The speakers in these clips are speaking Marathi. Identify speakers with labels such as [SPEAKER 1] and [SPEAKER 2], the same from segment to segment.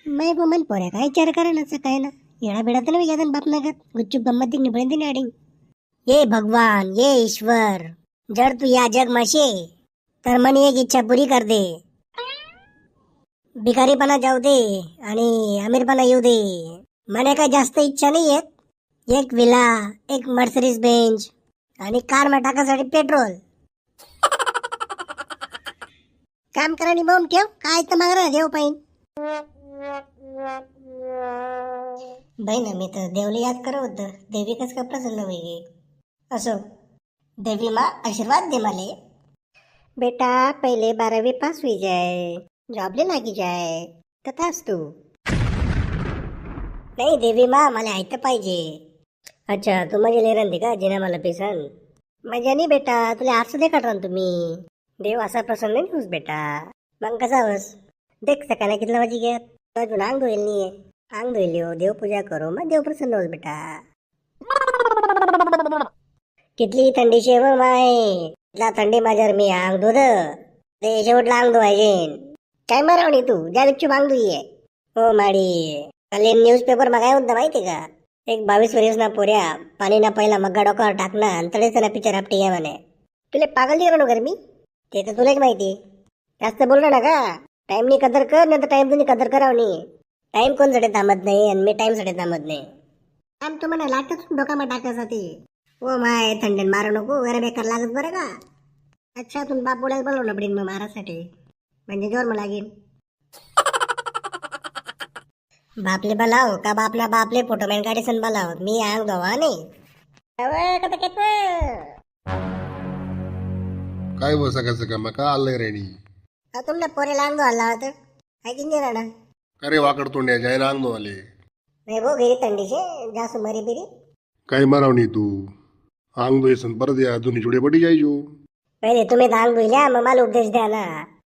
[SPEAKER 1] मैं वो मन पोऱ्या काय विचार करा ना काय ना येडा बेडा तर नाही बाप नगत गुच्चूप गंमत दिखनी पडेंदी नाडी ये भगवान ये ईश्वर जर तू या जग माशे तर मनी एक इच्छा पुरी कर दे. भिकारीपणा जाऊ दे आणि अमीरपणा येऊ दे. मने काय जास्त इच्छा नाही आहेत. एक विला, एक मर्सिडीज बेंच आणि कार मा टाकासाठी पेट्रोल. काम करानी बॉम्ब ठेव काय तर मागणार देव पाहिन. बहीण मी तर देवले याद करत होतं. देवी कस का प्रसन्न होई असो. देवी मा आशीर्वाद दे माले. बेटा पहिले 12वी पास हुई जाए, जॉबले लागी जाए तथाच तू. नाही देवी मा मला ऐकतं पाहिजे. अच्छा तू माझी लेरन दे का जिना मला पिसन. माझ्या नाही बेटा तुला आरसं दे काढ तुम्ही. देव असा प्रसन्न नाही होस बेटा. मग कसा होस देख सकाळी कितला वाजी घ्या अजून अंग धुईल नाहीये. अंग धुईल हो देवपूजा करो मग देव प्रसन्न होस बेटा. कितली थंडी शेव माय इतला थंडी माझ्यावर मी अंग धुद ते शेवटला अंग धुवायचे. काय मारवणी तू ज्या गुच्चू अंग धुईये. हो माडी काल न्यूजपेपर मा काय होतं माहिती का. एक 22 वर्षना पोऱ्या पाणी ना पहिला मग्गा डोक्यावर टाकना आणि तडेच ना पिक्चर आपटी घ्या म्हणे. तुला पागल दिलं नो मी ते तर तुलाच माहिती. जास्त बोललो ना का. टाइमनी कदर कर नाही तर टाइम तुम्ही कदर करावं नाही. टाइम कोणसाठी थांबत नाही आणि मी टाइमसाठी थांबत नाही. टाइम तुम्हाला लागतच डोकामा टाकायसाठी. ओ माय थंडीन मारू नको वगैरे बेकार लागत बरं का. अच्छा तुम्ही बाप बोलायला बोलवलं पडेल मग मारासाठी म्हणजे जोर मला लागेल. बापले बोलाव का बापला बापले फोटोमॅन गाडी सन बोलाव मी अंग धोवा नाही.
[SPEAKER 2] काय बस सकाळ मग का आलंय रेणी.
[SPEAKER 1] तुमने पोरेला अंग धुवायला होतं काय की नाही राहणार.
[SPEAKER 2] अरे वाकड तोंड्या जायला अंग आले.
[SPEAKER 1] नाही भो गेली थंडीचे जास्त मरी बिरी.
[SPEAKER 2] काय मारावणी तू अंग धुयसन परत या दोन्ही जोडे पटी जायचो.
[SPEAKER 1] पहिले तुम्ही तर अंग धुईल्या मग मला उपदेश द्या ना.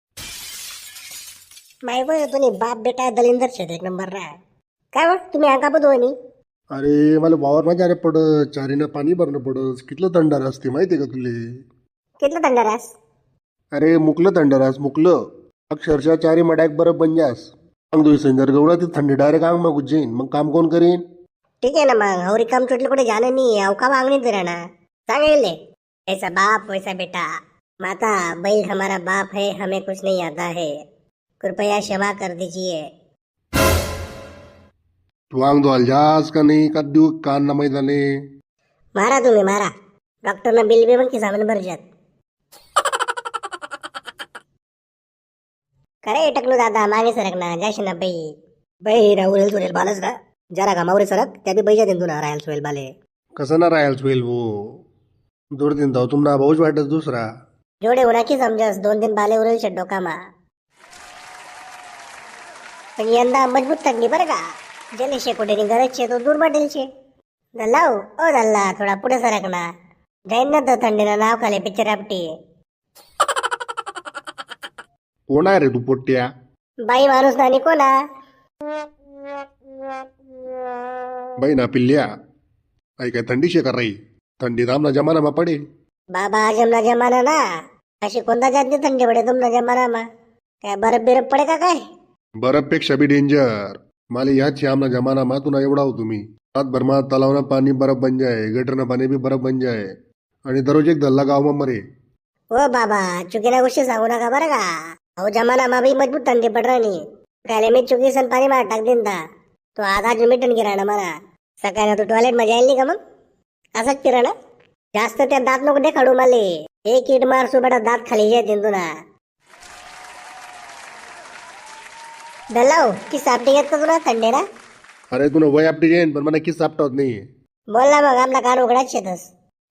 [SPEAKER 1] माय बो तुम्ही बाप बेटा दलिंदर शेत एक नंबर रा. काय बघ तुम्ही अंगा धुवणी.
[SPEAKER 2] अरे मला वावर माझ्या अरे पडत चारीनं पाणी भरणं पडत कितलं थंडार असते माहितीये का तुले.
[SPEAKER 1] कितलं थंड रास.
[SPEAKER 2] अरे मुकलं थंडारास मुकलं अक्षरशः चारी मड्याक बरं बनजास. अंग धुयसन जर गवळा ती थंडी डायरेक्ट अंग मग उज्जैन मग काम कोण करीन.
[SPEAKER 1] ठीक है ना मग और काम चोटले कुठे जाणं नाही अवका मागणीच राहणार. सांगेले ऐसा बाप वैसा बेटा. माता बैल हमारा बाप है हमें कुछ नहीं आता है कृपया क्षमा कर दीजिए.
[SPEAKER 2] तू अंग धुवाल जास का नाही का देऊ कान ना मैदाने.
[SPEAKER 1] मारा तुम्ही मारा. डॉक्टरना बिल बी पण की सामान भरजात. करे टकलू दादा मागे सरक ना जाशी ना बाई. बाई राहुल सुरेल बालच का जरा कामावर सरक त्या बी बैजा देतो ना राहायला सोयल बाले.
[SPEAKER 2] कसं ना राहायला होईल वो दूर दिन जाऊ तुम्हाला भाऊच वाटत दुसरा.
[SPEAKER 1] जोडे होना की समजस 2 दिन बाले उरेल शे डोकामा. पण यंदा मजबूत थंडी बरं का. जले शेकोटेनी गरज छे तो दूर वाटेल छे. दल्लाव ओ दल्ला थोडा पुढे सरक ना. जाईन ना तर थंडीनं नाव खाले पिक्चर आपटी.
[SPEAKER 2] कोण आहे रे तू पोट्ट्या.
[SPEAKER 1] बाई माणूस नानी कोणा.
[SPEAKER 2] बाई ना पिल्ल्या आई काय थंडी शे कर रही थंडी थांबना जमाना मा पडे.
[SPEAKER 1] बाबा जमना जमाना ना अशी कोणता जात नाही थंडी पडे तुमना जमाना मा. काय बरफ बिरफ पडे का काय.
[SPEAKER 2] बर्फपेक्षा बी डेंजर. माले याच आमना जमाना मा तुला एवढा हो तुम्ही रातभर मा तलावना पाणी बर्फ बन जाए गटरना पाणी बी बर्फ बन जाए आणि दररोज एक दल्ला गाव मा मरे.
[SPEAKER 1] हो बाबा चुकीना गोष्टी सांगू नका बरं का. अहो जमाना मा बी मजबूत थंडी पड राणी. काले मी चुकी सन पाणी मार टाक दिन था तो आधा मिटन गिरा ना मला. सकाळी तू टॉयलेट मध्ये जाईल नाही का मग असंच फिरा ना. जास्त त्या दात नको देखाडू माले. एक इट मार सुबडा दात खाली जाते तुला. दल्लाव की सापटी घेत का तुला थंडी ना.
[SPEAKER 2] अरे तुला वय आपली जाईन पण मला किस सापटा होत नाही.
[SPEAKER 1] बोल ना मग आमला कान उघडाच शेतस.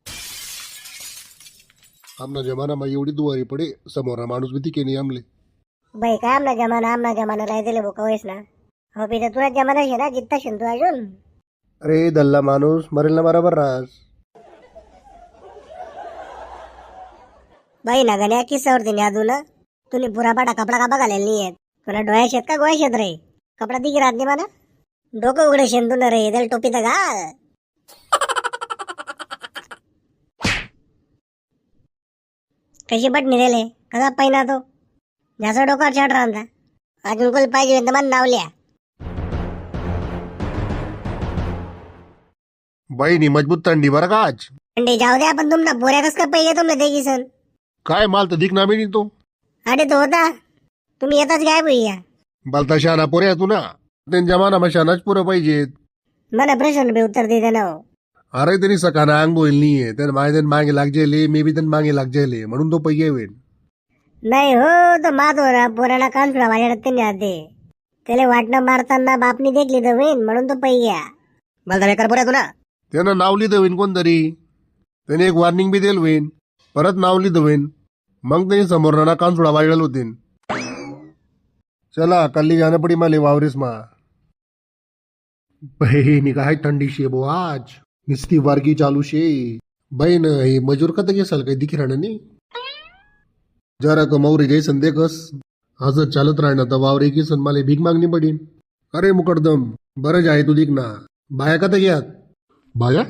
[SPEAKER 2] आमना जमाना मा एवढी दुवारी पडे समोर माणूस बी तिके नाही आमले.
[SPEAKER 1] बाई काय आमना जमाना राय दिले भोका वयस ना. हो बी तर तुला जमाना शे ना जित्ता शेन तू अजून.
[SPEAKER 2] अरे दल्ला माणूस मरेल ना बरोबर रास.
[SPEAKER 1] बाई ना गण्या किस्सावर तिने अजून तुने पुरा पाटा कपडा का बघालेला नाहीये. तुला डोळ्या शेत का गोळ्या शेत रे. कपडा दिगी राहत नाही मला. डोकं उघडे शेन तू ना रे त्याला टोपी तर घाल. कशी बट निघाले कसा पहिना तो जास्त डोक्यावर छाट राहता. अजून कोण पाहिजे तर मला नावल्या.
[SPEAKER 2] बहिणी मजबूत थंडी बरं का आज.
[SPEAKER 1] थंडी जाऊ द्या पण तुमना पोऱ्यातच का पहिले तुमने देखी सन.
[SPEAKER 2] काय माल तर दिख ना मी तो.
[SPEAKER 1] अरे तो होता तुम्ही येताच गायब भैया.
[SPEAKER 2] बालता शहाणा पोऱ्या तू ना. त्यांच्या जमाना शहाणाच पुरं पाहिजेत.
[SPEAKER 1] मला प्रश्न बी उत्तर दे ना.
[SPEAKER 2] अरे त्यांनी सकाना अंग बोल नाहीये त्यानं माझ्या मागे लागजेले मी बी त्यांना मागे लागजेले म्हणून तो पैये होईल.
[SPEAKER 1] नाही हो तो मात हो ना पोराला कान सुडा माझ्या त्यांनी आते त्याला वाटणं मारताना बापनी देखली तर होईन म्हणून तो पैया. मला बेकार पोऱ्या तू ना.
[SPEAKER 2] त्यानं नाव लिहिलं होईन कोणतरी. त्याने एक वॉर्निंग बी दिलं होईन. परत नाव लिहिलं होईन. मग त्यांनी समोरना कान सोडा वाजल होतीन. चला कल्ली जाणं पडी माले वावरीस मा. बहिणी काय थंडी शे बो आज. निस्ती वारगी चालू शे. बहीण हे मजूर का तरी असाल काही दिखी राहणं नाही. जरा कमावरी जैसन देखस. असं चालत राहणं तर वावरे की सन माले भीक मागणी पडीन. अरे मुकडदम बरंच आहे तू दिख ना. बाया का तर घ्यात. बाया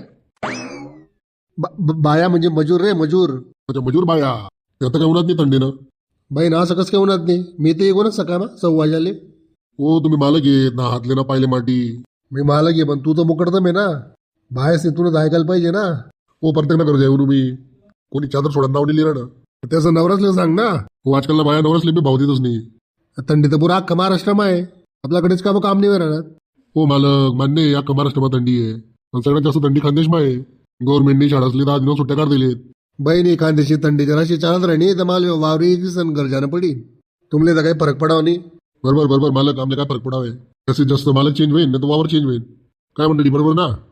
[SPEAKER 2] बाया म्हणजे मजूर रे मजूर. अच्छा मजूर बाया. आता काय उन्हात नाही थंडीनं. बहीण असं कसं काय उन्हात नाही. मी ते येऊ ना सका ना सव्वाजाले. हो तुम्ही मालक येत ना हातले ना पाहिले माटी. मी मालक आहे पण तू तर मुकडदम आहे ना. बाहेर तुला ऐकायला पाहिजे ना. हो प्रत्येक ना करू जाऊ मी. कोणी चादर सोडत नाव दिली ना त्याचं नवरसले सांग ना. हो आजकाल बाया नवरसले मी भाव देतच नाही. थंडी तर पुरा अख्खा महाराष्ट्रमा आहे. आपल्याकडेच का काम नाही राहणार. हो मालक मान्य आहे अख्खा महाराष्ट्रमा थंडी आहे. पण सगळ्यात जास्त थंडी खानदेशमा आहे. गव्हर्नमेंटनी शाळा असली तर आज सुट्ट्या काढ दिलेत. बहिणी खानदेशी थंडी जराशी चालत राहिली तर मला वावरी सण गरजानं पडी. तुमले तर काही फरक पडावा नाही. बरोबर बरोबर मालक आमले काय फरक पडावे. जास्तीत जास्त मालक चेंज होईल नाही तर वावर चेंज होईल. काय म्हणते बरोबर ना.